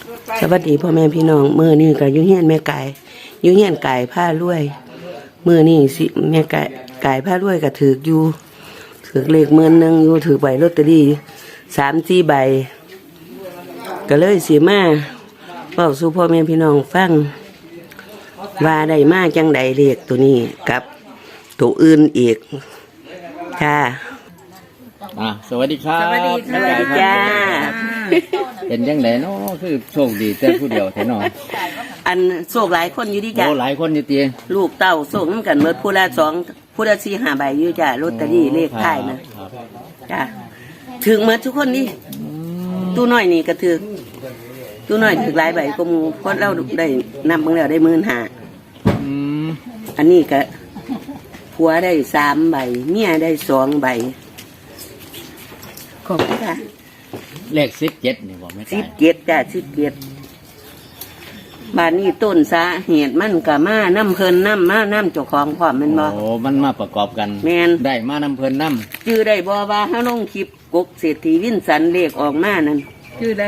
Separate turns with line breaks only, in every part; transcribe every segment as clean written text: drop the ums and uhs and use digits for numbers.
สวัสดีพ่อแม่พี่น้องมื้อนี้ก็อยู่เฮียนแม่ไก่อยู่เฮียนไก่ผ้ารวยมื้อนี้สิแม่ไก่ผ้ารวยก็ถืออยู่ถือเลข10,000อยู่ถือใบลอตเตอรี่3-4 ใบก็เลยสิมาเว้าสู่พ่อแม่พี่น้องฟังว่าได้มาจังใดเลขตัวนี้กับตัวอื่นอีกค่ะ
สวัสดีครับ
สวัสดีจ้า
เป็นยังไงเนาะคือโชคดีแต่ผู้เดียวแท้เนาะ
อันโชคหลายคนอยู่ดิจ้ะ
โอ้หลายคนอยู่ตี
ลูกเต้าโชคนำกันเบิดผู้ละ2ผู้ละ4-5 ใบอยู่จ้ะลอตเตอรี่เลขท้ายนะจ้ะถึงหมดทุกคนนี่ตู้น้อยนี่ก็ถึกตู้น้อยถึกหลายใบก็หมู่เพราะเราได้นำเบิ่งแล้วได้15,000อันนี้ก็ผัวได้3 ใบเมียได้2 ใบขอบคุณค่ะ
เลข17นี่บอกไม่ได้
17จ้ะ17บ้านนี้ต้นสาเหตุมันก็มาน้ำเพิ่นน้ำเจ้าของพร้อมแม่นบ่
โอ้มันมาประกอบกัน
แม่น
ได้มานำเพิ่นนำ
ชื่อได้บ่ว่าเฮาลงคลิปกกเศรษฐีวินสันเลขออกมานั่น
ชื่อได้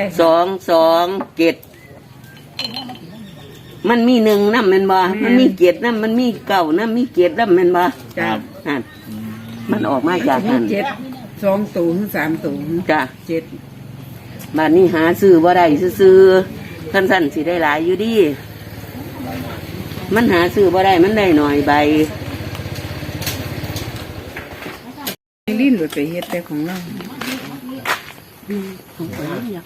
227มันมี1นำแม่นบ่มันมี7นำมันมี9นำมี7นำแม่นบ่
ครับ
นั่นมันออกมาจากนั้น
7 2 ตู3 ตู
จ้ะ
7
บ้านนี้หาซื้อบ่ได้ซื้อท่านสั่นสิได้หลายอยู่ดีมันหาซื้อบ่ได้มันได้หน่อยใบ
ลิ้นหลุดไปเฮ็ดแต่ของเรา
ของข้อยอยาก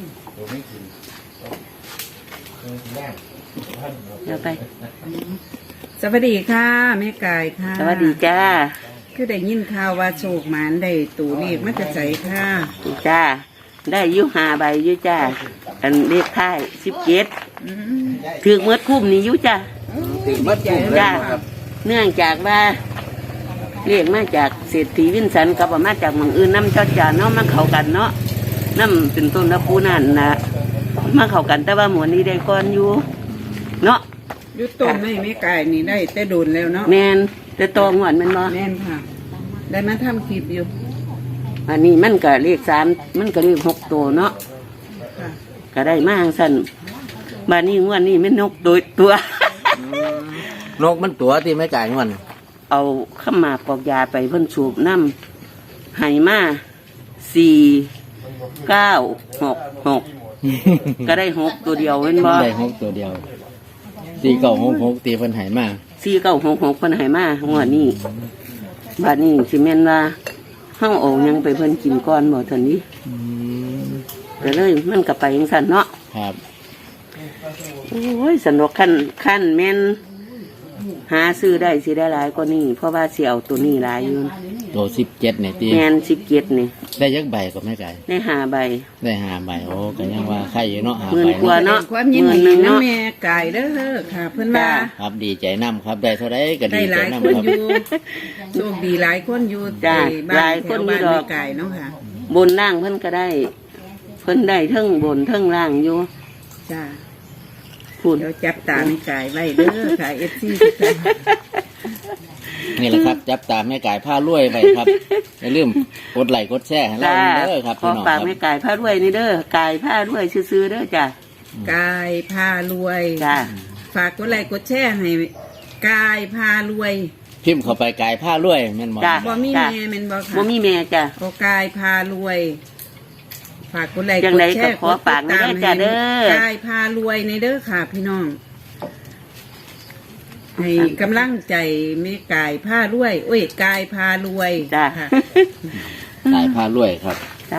เดี๋ยวไป
สวัสดีค่ะแม่กายค่ะ
สวัสดีจ้า
คือได้ยินข่าวว่าโชคหมานได้ตูเลขมาจะใส่ค่ะ
จ้าได้อยู่5 ใบอยู่จ้าอันเลขท้าย17ถึกเมื่อคุ้มนี่อยู่จ้าจ้าเนื่องจากว่าเลขมาจากเศรษฐีวินสันกับมาจากเมืองอื่นน้ำจอดจานเนาะมาเข้ากันเนาะน้ำเป็นต้นละปูนั่นนะมาเข้ากันแต่ว่าหมวดนี้ได้ก่อนอยู่เนาะ
ยุดต้นไม่แม่กายนี่ได้แต่โดนแล้วเนาะ
แมนแต่ตองหวดมันบ่
แม่นค่ะได้มาทำคลิปอยู่
อันนี้มันก็เลข3มันก็เลข6 ตัวเนาะก็ได้มาสั่นบ้านนี้งวดนี้มันนกตั
นกมันตัวที่ไม่จ่ายเงิน
เอาข้ามาปอกยาไปเพิ่นสูบน้ำให้มา4-9-6-6ก็ได้6 ตัวเดียวเว้นบ่
ได้6 ตัวเดียว4-9-6-6ตีเพิ่นให้มา
4-9-6-6เพิ่นให้มางวดนี้บ้านนี้สิแม่นว่าเฮาเอายังไปเพิ่นกินก่อนบ่ซั่นนี้ก็เลยมันก็ไปจังซั่นเนาะ
ครับ
โอ้ยสนุกขั้นแม่นหาซื้อได้สิได้หลายกว่านี้เพราะว่าสิเอาตัวนี้หลายอยู่
ตัว17นี่ติ
แม่น17นี่
ได้ยักใบก็แม่ไก่
ได้5 ใบ
ได้5 ใบโอ้ก็ยังว่าใครอยู่เนาะ5
ใบกว่าเนาะ
ความยินดีนะแม่ไก่เด้อค่ะเพิ่นว่า
ครับดีใจนำครับได้เท่าใดก็ดีใจนำครับ
โชคดีหลายคนอยู่
จ้าหลายคนอยู่ดอก
ไก่เนาะค่ะ
บนล่างเพิ่นก็ได้เพิ่นได้ทั้งบนทั้งล่างอยู่
จ้าพูดเดี๋ยวจับตาแม่ไก่ไว้เด้อค่ะFC
นี่แหละครับจับตาแม่ไก่ผ้ารวยไปครับอย่าลืมกดไลค์กดแชร์ให้เราเด้อครับ
ขอฝากแม่ไก่ผ้ารวยนี่เด้อไก่ผ้ารวยซื้อๆเด้อจ้ะ
ไก่ผ้ารวย
จ้ะ
ฝากกดไลค์กดแชร์ให้ไก่ผ้ารวย
พิมพ์เข้าไปไก่ผ้ารวยแม่นบ่
บ่มีแม่แม่นบ่ค่ะ
บ่มีแม่จ้ะ
โอ้ไก่ผ้ารวยฝากกดไลค์กดแชร์
ขอฝากนะจ้ะเด้อ
ไก่ผ้ารวยในเด้อค่ะพี่น้องให้กำลังใจแม่กายผ้ารวยโอ้ยกายพารวย
จ้า
กายผ้ารวยครับ
จ้า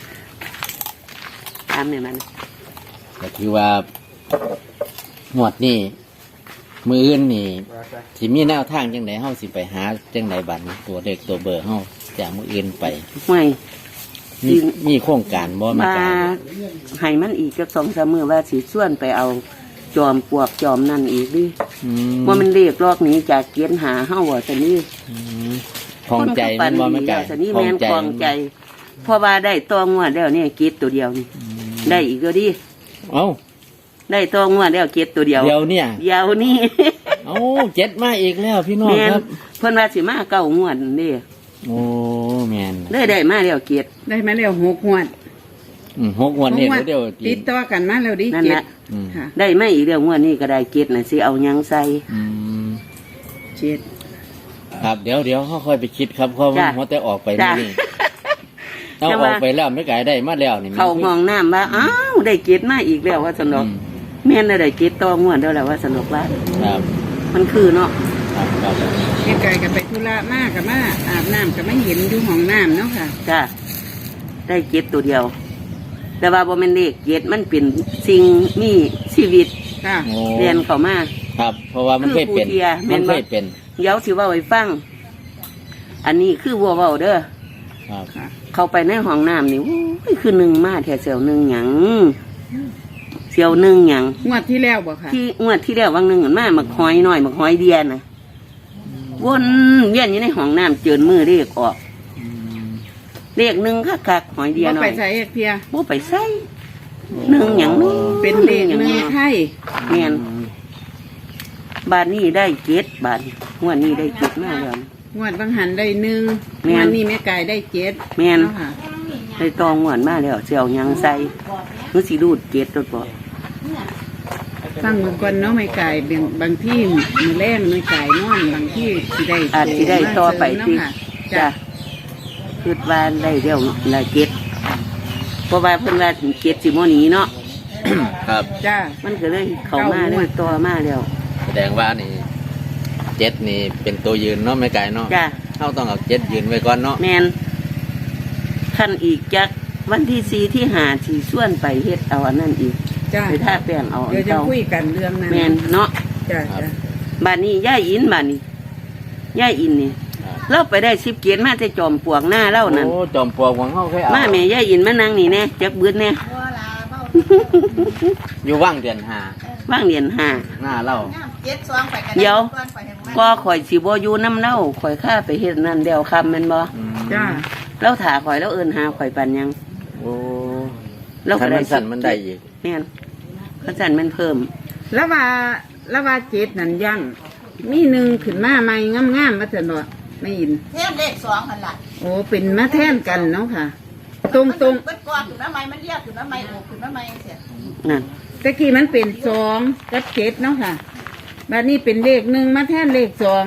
ตามเนี่ยมัน
ก็คือว่าหมวดนี่มืออื่นนี่สิมีแนวทางจังไหนเฮาสิไปหาจังไหนบัตรตัวเด็กตัวเบอร์เฮาจากมืออื่นไป
ไม่
มีโครงการบ่
มาให้มันอีกจัก2-3 มื้อว่าสิส่วนไปเอาจอมปวกจอมนั่นอีกดิว่ามันเรียกลอกนี้จากเกียนหาเฮาว่าซั่นนี่
ของใจมันบ่แม่ไก่
ซั่นนี่แม่นของใจเพราะว่าได้ตองวดแล้วนี่เกียรตัวเดียวนี่ได้อีกก็ดิ
เอ้า
ได้ตองวดแล้วเกียรตัวเดียว
เดียวเนี่ย
เดียวนี่
เอ้า7มาอีกแล้วพี่น้องครับ
เพิ่นว่าสิมา9 งวดนี่
โอ้แม่น
ได้มาแล้วเกียร
ได้มาแล้ว6 งวด
6 วันนี้เดี๋ยว
ติดต่อกันมาแล้วดิ
นั่น
เจ็
แห
ด
ละ
ค่ะ
ได้ไม่อีกเรื่องงวดนี้ก็ได้เจ็ดน่ะสิเอาหยังใส่
อืม
เจ็ด
ครับเดี๋ยวเขาค่อยไปคิดครับเพราะ
จ้ะ
มันหัวแต่ออกไป
จ้ะ
นี่เอาออกไปแล้วไม่ไกลได้มาแล้วนี่
เข้าห้องน้ำว่าอ้าวได้เจ็ดมาอีกแล้วว่าสนุกแม่นได้เจ็ดต่องวดแล้วแหละว่าสนุกว่า
ครับ
มันคือเนาะ
ครับครับ
แม่ไก่ก็ไปธุระมากกับมาอาบน้ำก็ไม่เห็นอยู่ห้องน้ำเนาะค่ะ
จ้ะได้เจ็ดตัวเดียว แต่ว่าบ่แม่นเลขเจ็ดมันเป็นสิ่งมีชีวิต
ค่ะ
โอ้
เรียนเข้ามา
ครับ เพราะว่ามันเคยเป็น
คือผู้เทียแม่
มัน
นบ่
เคยเป็น
เดี๋ยวสิเว่าให้ฟัง อันนี้คือวัวเว้าเด้อ
ครับ
ค่ะ
เข้าไปในห้องน้ำนี่โอ้ยคือหนึ่งมาแถวเสียวหนึ่งหยังเสียวหนึ่งหยัง
งวดที่แล้วบ่ค่ะ
ที่งวดที่แล้ววังหนึ่งมาหมักหอยหน่อยหมักหอยเดียน่ะวนเวียนอยู่ในห้องน้ำเจินมือเรียกออกเรียกหนึ่งคักๆหอยเดีย
บ่
หน่
ไป
อย
ใส่เอกเพีย
บ่ไปใส่หนึ่งหยังนู้
เป็นเลขหนึ่งไทย
เมียนบาทนี้ได้เจ็ดบาทงวดนี้ได้เจ็ดมากเลย
งวดบางหันได้หนึ่ง
แม่น
งวดนี้แม่ไก่ได้เจ็ด
แม่น
เนาะค่ะ
ได้ตองงวดมาแล้วเสียวหยังใส่มือสีรูดเจ็ดตัวบ่
ฟังเบิ่งก่อนเนาะแม่ไก่บางที่มือแรงแม่ไก่นอนบางที่สิได้
อาจสิได้ต่อไป
เนาะ
ติ
ค่ะ
จ้ะคิดว่าได้เดียวละเจ็ดเพราะว่าเพิ่นว่าถึงเจ็ดสิโมนี้เนาะ
ครับ
จ้า
มันก็เลยเข้ามาเลยต่อมาแล้ว
แสดงว่านี่เจ็ดนี่เป็นตัวยืนเนาะไม่ไกลเนาะ
จ้ะ
เขาต้องเอาเจ็ดยืนไว้ก่อนเนาะ
แมนขั้นอีกจักวันที่สี่ที่หาที่ส่วนไปเฮ็ดเอาอันนั้นอีก
จ้า
ไปท่าแป้งเอาอัน
เดี๋ยวจะ
เก่า
คุยกันเรื่องนั้น
แมนเนาะ
จ้าจ้า
บ้านนี้ย่ายอินบ้านนี้ย่ายอินนี่
ครับ
เราไปได้สิบเกียรมาแต่จอมปลวกหน้าเล่านั่น
โอ้จอมปลวกของเขาเคยเอา
มาแม่ย่ายอินมานั่งนี่แน่จักเบืดแน่
อยู่ว่างเดือนหา
ว่างเรียนหา
หน้าเล่า
เดี๋ยวก็ข่อยสิบ่อยู่น้ำเล่าข่อยข้าไปเฮ็ดนั่นเดียวคำแม่นบ่
อืม
จ้า
เราถาข่อยแล้วเอิ้นหาข่อยปันยัง
โอ้
เรา
คั
ก็
น
ได้
มันสั่นมันได้อีก
แม่นเขาสั่นมันเพิ่ม
แล้วว่าเจ็ดนั่นยังมีหนึ่งขึ้นมาใหม่งามๆมาแต่เนาะไม่ยิน
เทมเลขสองหันหลัง
โอ้เป็นมาแท่นกันเนาะค่ะ ตรง
เบิดก้อนถึงน้ำไม้มันเรียกถึงน้ำไม้โอบถึงน้ำไม้เสีย
นั่น
ๆตะกี้มันเป็นสองกับเจ็ดเนาะค่ะบัดนี้เป็นเลขหนึ่งมาแท่นเลขสอง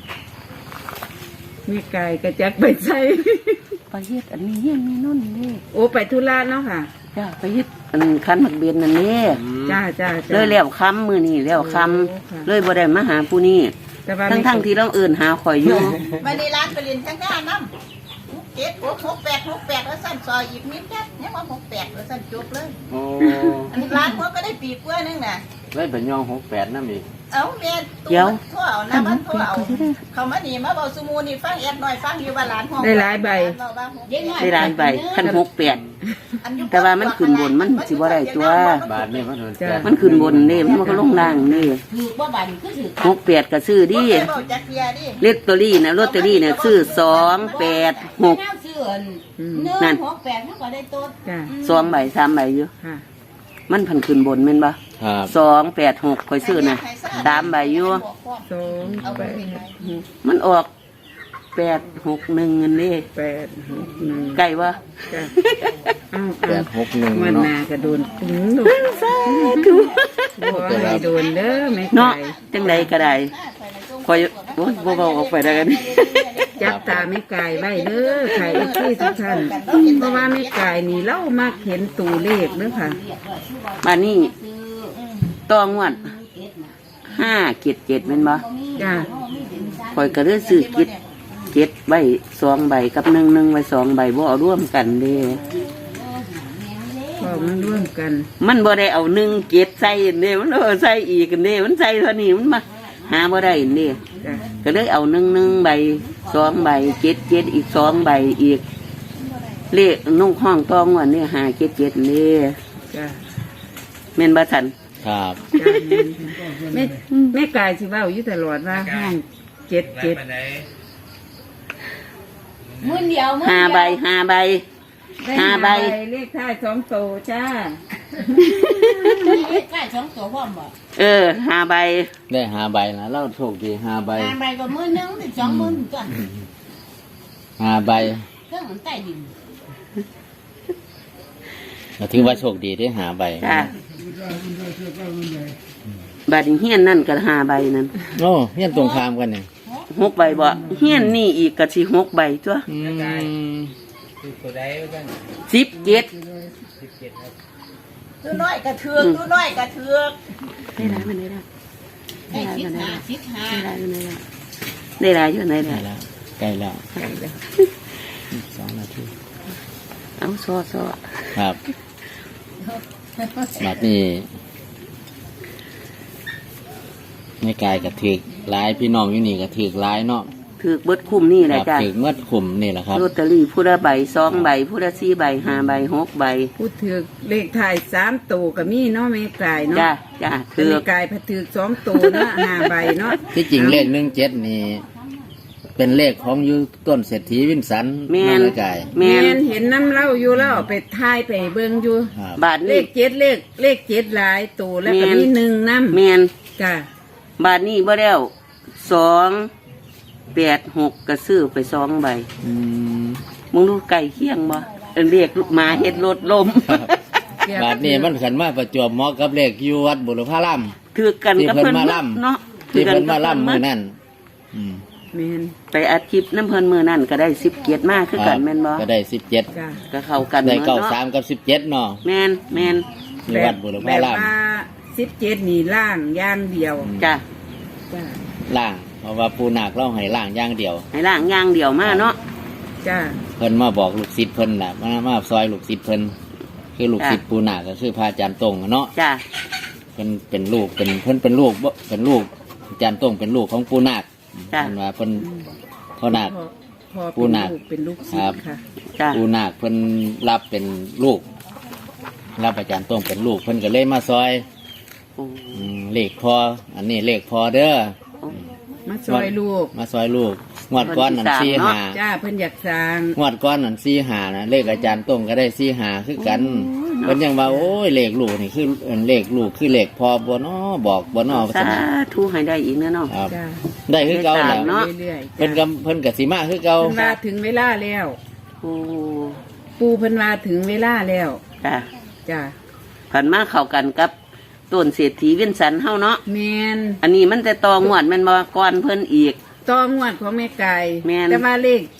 แม่ไก่กระจักไปใส่
ไปเฮ็ดอันนี้เฮียนมีโน่นนี่
โอ้ไปธุระเนาะค่ะ
จ้าไปเฮ็ดอันคันหมักเบียนนั่นนี่
จ้าจ้า
เลยแล้วคำมือนี่แล้วค
โอ้ค่ะ
ำเลยบ่ได้มาหาผู้นี้
แต่ว่า
ทั้งที่เราเอื่นหาข่อยอยู่
มาในร้านไปเรียนข้างหน้าน้ำ6 7 6 8 แล้วสั้นซอยอีกนิดแค่ยังว่า68แล้วสั้นจบเลย
โอ้
อันร้านหัวก็ได้ปีกล้วยนึงน่ะ
ได้เป็นยอง68นั่นอีก
เอาแม่
เดี๋ยว
ทั่วเอาน้ำมันทั่วเอาเขามานี่มาเบาสมูนี่ฟังแอดหน่อยฟังอยู่ว่าร้านห้อง
ได้หลายใบ
ได้ร้านใบคัน68 แต่ว่ามันขึ้นบนมันสิบ่ได้ตัว
บาทนี่มันโดน
จ้ะ
แปด
มันขึ้นบนนี่มันก็ลงล่างนี่
ถือว่าบันคือถือ
68ก็ซื้อดิ
เบาจากเพียดิ
ลอตเตอรี่นะลอตเตอรี่เนี่ยซื้อ286
แนวเสื่อนเนื้อ6 8มันก็ได้ต้น
จ้า
2ใบ3ใบอยู่
ค่ะ
มันพันขึ้นบนแม่นบ่
ครับ
286ข่อยซื้อน่ะ3ใบอยู่
สองแปด
มันออก861เงินนี่
8 6 1
ใกล้บ่
จ้าเอา
861
วัน
เนาะ
หนากระโดนปุ้งดู
สาธุ
บ่ให้โดนเด้อแม่
เนาะ
ไก่
จังใดก็ได้ข่อยโอ้ยบ่เว้าออกไปได้กัน
จับตาแม่ไก่ไว้เด้อไข่เอฟซีทุกท่านเพราะว่าแม่ไก่นี่เล่ามักเห็นตัวเลขเด้อค่ะ
มานี่ต้องงวด577แม่นบ่
จ้า
ข่อยก็เลยซื้อ7ใบ2ใบกับ11ไว้2ใบบ่เอาร่วมกันเด้
พอมันร่วมกัน
มันบ่ได้เอา17ใส่เด้มันเอาใส่อีกเด้มันใส่เท่านี้มันมาหาบ่ได้เด้
จ้า
ก็เลยเอา11ใบ2ใบ77อีก2ใบอีกเลขนุ่งห้องตองวันนี้577เด้
จ้า
แม่นบ่ทัน
ครับ
จ้าแม่ไก่สิเว้าอยู่ตลอดว่าห้อง77
มื้อเดียวมื้อ
ห้า
เดียว
ใบห้าใบ
ได้
ห้าใบ
เลขท้าย2ตัวจ้า
ใกล้2ตัวพร้อมบ่
5ใบ
ได้5ใบนะเราโชคดี5ใบ
ใบก็มื้อนึงเป็น2มื้อจ้ะ
5ใบ
เครื่องมันใต้ดิน
ก็ถือว่าโชคดีได้หาใบ
จ้าบัดนี้เฮียนนั่นก็5ใบนั่น
โอ้เฮียนตรงข้ามกันเนี่ย
6ใบบ่เฮียนนี่อีกก็สิ6ใบตัว
อืม
17
ตัวน้อยกระเทือกตัวน้อยกระเทือก
ได้หลายมันได้ละ
ได้สิบห้าสิบห้า
ได้หลายมันได้ละได้หลายอยู่ไหน
ใกล้
ได้
แล้วใกล้แล้ว
ใช่แล้ว
2 นาที
เอาซอ
ครับบัดนี้ในกายกระถือหลายพี่น้องอยู่นี่กระถือหลายเนาะ
ถือเบิดคุ้มนี่แห
ค
ละ
รับ
จ้ะ
ถือเมื่อขุมนี่แหละครับ
ลอตเตอรี่ผู้ละใบ2ใบผู้ละ4ใบ5ใบ6ใบ
พูดถึกเลขถ่าย3ตัวก็มีเนาะแม่กายเนาะ
จ้าจ้า
แม่
ถือก
ายพะถึก2ตัวเนาะ5ใบเนาะ
ที่จริงเลข17นี่ เป็นเลขของอยูต้นเศรษฐีวินสัน
แม่น
ในกาย
แม่
แม่
น
นเห็นน้ำเล่าอยู่แล้วเอาไปทายไปเบิ่งอยู่
ครับ
บาท
เล
นี้
ข7หลายตัวแล้วก็
แม่น
มี1นำ
แม่น
จ้ะ
บาทนี้บ่แล้ว2 8 6ก็ซื้อไป2ใบ
อืม
มึงดูไก่เคียงบ่เรียกลูกหมาเฮ็ดรถลม
บาทนี้มันขันมาประจวบเหมาะกับเลขอยู่วัดบุรพาราม
ถือกันกับ
ที่เพิ่
เพิ่
น
น
มา
หมด
ล่ำ
เนาะ
ที่เพิ่นมา
ถือกั
ล่ำ
บ
มือ
เพิ่นหด
นั่นอืม
แม่น
ไปอัดคลิปน้ำเพิ่นมือนั่นก็ได้10เกียรติมากคือกันแม่นบ่
ก็ได้17
จ้ะ
ก็เข้ากัน
ได้
หมดเนาะ
93กับ17เนาะ
แม่นแม่น
อยู่วัดบุร
แบ
พา
บ
ราม
ว่า17นี่ล่างอย่างเดียว
จ้ะ
จ้ะ
ล่างเพราะว่าปูนาคเล่าให้ล่างอย่างเดียว
ให้ล่างอย่างเดียวมาเนาะ
จ้ะ
เพิ่นมาบอกลูกศิษย์เพิ่นน่ะมาซอยลูกศิษย์เพิ่นคือลูกศิษย์ปูนาคก็คือพระอาจารย์ตงอะเนาะ
จ้ะ
เพิ่นเป็นลูกเป็นลูกบ่เป็นลูกอาจารย์ตงเป็นลูกของปูนาค
จ้ะ
เพิ่นว่าเพิ่นพ่อนาค
พอ
ปูนาค
เป็นลูกศิษ
ครับ
ย์ค่ะ
จ้ะ
ปูนาคเพิ่นรับเป็นลูก รับอาจารย์ตงเป็นลูกเพิ่นก็เลยมาซอย
โอ้
เลขพออันนี้เลขพอเด้อ
มาซอยลูก
มาซอยลูกงวดก้อนนั่นสี่หา
จ้าเพิ่นอยากสร้าง
งวดก้อนนั่นสี่หานะเลขอาจารย์ตรงก็ได้สี่หาคือกันเพิ่นยังว่าโอ้ยเลขลูกนี่คือเลขลูกคือเลขพอบ่น้อบอกบ่น้อ
สาธุให้ได้อีกเนาะ
ครับ
จ้า
ได้คือเก่าแหล้ว
เนาะ
เรื่อยๆ
เพิ่น
จ้ะ
ก็เพิ่นก็สิมาคือเก่า
เพิ่นว่าถึงเวลาแล้ว
โอ้
ปูเพิ่นว่าถึงเวลาแล้ว
จ้ะ
จ้า
ผันมาเข้ากันกับต้นเศรษฐีเวียนสันเฮาเนาะ
แมน
อันนี้มันจะตองวดแมันบ่ก่อนเพิ่นอีก
ต่องวดของแม่ไก่
แม่น
แต่ว่าเลข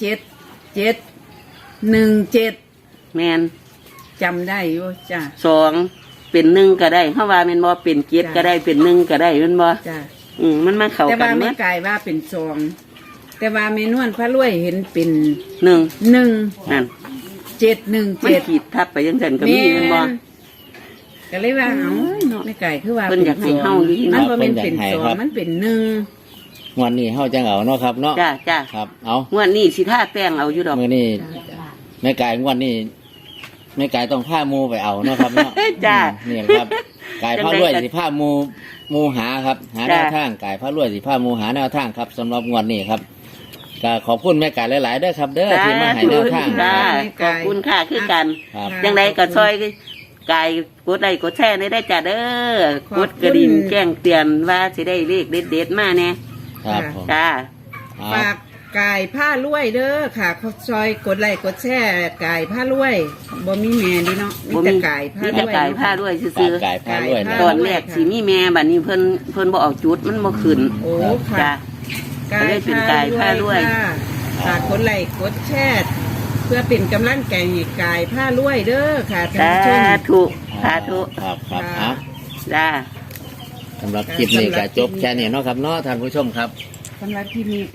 7
แมน
จำได้อยู่จ้า
2เป็น1ก็ได้เฮาว่าแม่นบ่เป็น7ก็ได้เป็น1ก็ได้แม่นบ่
จ้า
มันมาเข้า
แต่
กั
ว่าน
หม
แม่
ด
ไก่ว่าเป็น2แต่ว่าแม่นวลพระรวยเห็นเป็น
1
1
นั่น
7
มัน
1 7
ขีดทับไปจังซั่นก็มีแม่นบ่
ก็เลยว่าเอ้าแม่ไก่คือว่า
เพิ่นอยากให้เฮาอยู่ที่
มั
นั่
น
น
บ่แม่นเป็นสองมันเป็น1
งวดนี้เฮาจังเอาเนาะครับเนาะ
จ้าจ้า
ครับ เอา
งวดนี้สิท่าแป้งเอาอยู่ดอก
มื้อนี้แม่กายงวดนี้แม่กายต้องพาหมู่ไปเอาเนาะครับเนาะ
จ้า
นี่ครับกายพารวยสิพาหมู่หาครับ หาแนวทางกายพารวยสิพาหมู่หาแนวทางครับสำหรับงวดนี้ครับก็ขอบคุณแม่กายหลายๆเด้อครับ เด้อที่มาให้แนวทาง
จ้า
ครับ
ขอบคุณค่ะคือกัน
ครับ
จังไดก็ซอยกายกดไลค์กดแชร์ได้จ้าเด้อกดกระดิ่งแจ้งเตือนว่าสิได้เลขเด็ดๆมาแน่
ครับผม
จ้า
เอา
ฝากกายผ้ารวยเด้อค่ะเขาซอยกดไลค์กดแชร์กายผ้ารวยบ่มีแม่ดิเนาะมีแต่กายผ้า
มี
ร
แต่
วย
กายผ้าด้วย
ฝา
ซื้
ก
อก
ายพารวยนะ
ๆตอนแรกสิมีแม่บัดนี้เพิ่นบ่เอาจุดมันบ่ขึ้น
โอ้ค่ะ
จ้า
กาย
ได้เป็นกายผ้ารวย
ค่ะฝากกดไลค์กดแชร์เพื่อเป็นกำลังใจให้กายผ้ารวยเด้อค่ะท่าน
สา
ผู้ชม
ธุสาธุ
ครับครับ
ค่ะ
เอา
จ้า
สำหรับคลิปนี้ก็จบแค่นี้เนาะครับเนาะท่านผู้ชมครับ
สำหรับที่นี้